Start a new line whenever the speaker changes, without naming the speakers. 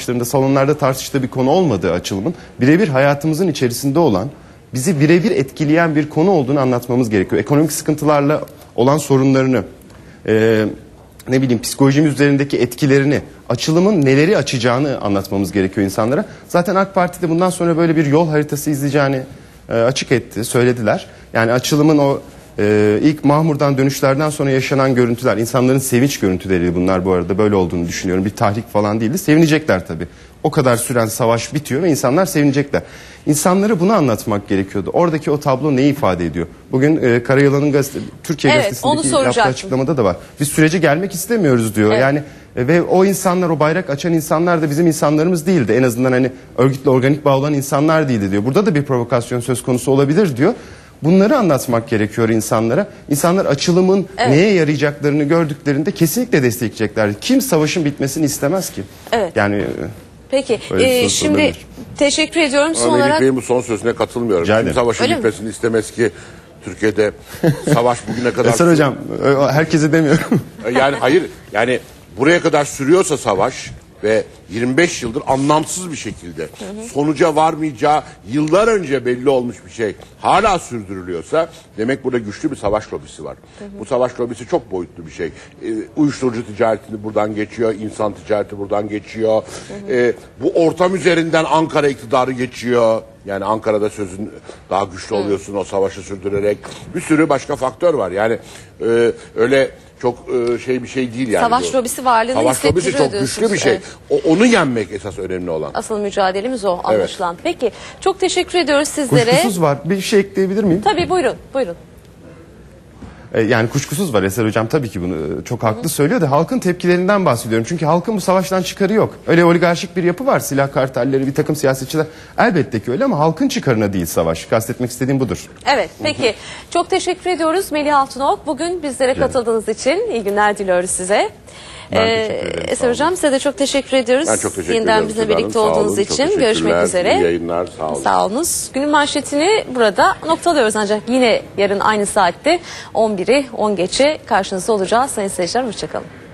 başlarında salonlarda tartıştığı bir konu olmadığı açılımın birebir hayatımızın içerisinde olan, bizi birebir etkileyen bir konu olduğunu anlatmamız gerekiyor. Ekonomik sıkıntılarla olan sorunlarını, ne bileyim psikolojimiz üzerindeki etkilerini, açılımın neleri açacağını anlatmamız gerekiyor insanlara. Zaten AK Parti de bundan sonra böyle bir yol haritası izleyeceğini açık etti, söylediler. Yani açılımın o ilk Mahmur'dan dönüşlerden sonra yaşanan görüntüler, insanların sevinç görüntüleri bunlar bu arada, böyle olduğunu düşünüyorum. Bir tahrik falan değildi. Sevinecekler tabii. O kadar süren savaş bitiyor ve insanlar sevinecekler. İnsanlara bunu anlatmak gerekiyordu. Oradaki o tablo neyi ifade ediyor? Bugün Karayılan'ın Türkiye Gazetesi'ndeki yaptığı açıklamada da var. Biz sürece gelmek istemiyoruz diyor. Evet. Yani ve o insanlar, o bayrak açan insanlar da bizim insanlarımız değildi. En azından hani örgütle organik bağ olan insanlar değildi diyor. Burada da bir provokasyon söz konusu olabilir diyor. Bunları anlatmak gerekiyor insanlara. İnsanlar açılımın neye yarayacaklarını gördüklerinde kesinlikle destekleyecekler. Kim savaşın bitmesini istemez ki?
Evet.
Yani
peki şimdi teşekkür ediyorum. Son olarak
Benim bu son sözüne katılmıyorum. Kim savaşın bitmesini istemez ki? Türkiye'de savaş bugüne kadar...
Eser Hocam, herkese demiyorum.
Yani hayır, yani buraya kadar sürüyorsa savaş ve 25 yıldır anlamsız bir şekilde sonuca varmayacağı yıllar önce belli olmuş bir şey hala sürdürülüyorsa demek burada güçlü bir savaş lobisi var. Bu savaş lobisi çok boyutlu bir şey. Uyuşturucu ticaretini buradan geçiyor, insan ticareti buradan geçiyor. Bu ortam üzerinden Ankara iktidarı geçiyor. Yani Ankara'da sözün daha güçlü oluyorsun o savaşı sürdürerek. Bir sürü başka faktör var. Yani öyle çok bir şey değil yani.
Savaş lobisi varlığını
savaş lobisi çok güçlü bir şey.
Evet.
Onu yenmek esas önemli olan.
Asıl mücadelemiz o anlaşılan. Evet. Peki çok teşekkür ediyoruz sizlere.
Kuşkusuz var. Bir şey ekleyebilir miyim?
Tabii buyurun. Buyurun.
Yani kuşkusuz var, Eser Hocam tabii ki bunu çok haklı söylüyor da halkın tepkilerinden bahsediyorum. Çünkü halkın bu savaştan çıkarı yok. Öyle oligarşik bir yapı var, silah kartelleri, bir takım siyasetçiler, elbette ki öyle ama halkın çıkarına değil savaş. Kastetmek istediğim budur.
Evet, peki çok teşekkür ediyoruz Melih Altınok. Bugün bizlere katıldığınız için iyi günler diliyoruz size. Eser Hocam size de çok teşekkür ediyoruz.
Ben çok teşekkür ederim.
Yeniden bizle birlikte olduğunuz için. Görüşmek üzere.
İyi yayınlar. Sağ olun.
Sağ olunuz. Günün manşetini burada noktalıyoruz ancak yine yarın aynı saatte 11'i 10 geçe karşınızda olacağız. Sayın seyirciler hoşçakalın.